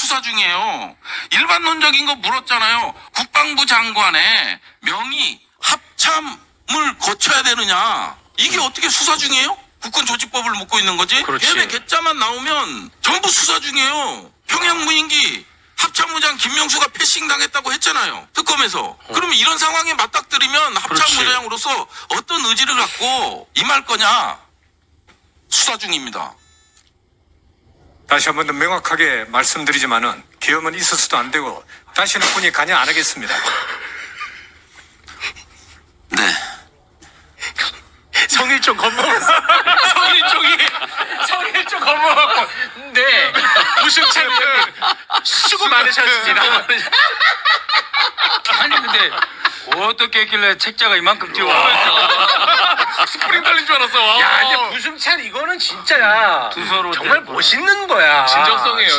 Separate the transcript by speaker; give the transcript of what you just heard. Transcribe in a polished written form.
Speaker 1: 수사 중이에요. 일반론적인 거 물었잖아요. 국방부 장관의 명의 합참을 거쳐야 되느냐. 이게 어떻게 수사 중이에요? 국군조직법을 묻고 있는 거지.
Speaker 2: 그렇지.
Speaker 1: 걔네 개짜만 나오면 전부 수사 중이에요. 평양무인기 합참무장 김명수가 패싱 당했다고 했잖아요. 특검에서. 그러면 이런 상황에 맞닥뜨리면 합참무장으로서 어떤 의지를 갖고 임할 거냐. 수사 중입니다.
Speaker 2: 다시 한 번 더 명확하게 말씀드리지만은 계엄은 있어서도 안 되고 다시는 군이 관여 안 하겠습니다.
Speaker 1: 네.
Speaker 3: 성일종 겁먹었어. 성일종 겁먹었고. 네. 우승찬 의원님 수고 많으셨습니다.
Speaker 4: 아니 근데 어떻게 했길래 책자가 이만큼 띄워?
Speaker 3: 스프링 달린 줄 알았어. 야, 근데 부승찬 이거는 진짜야.
Speaker 4: 두 서로
Speaker 3: 정말 멋있는 거야.
Speaker 5: 진정성이에요.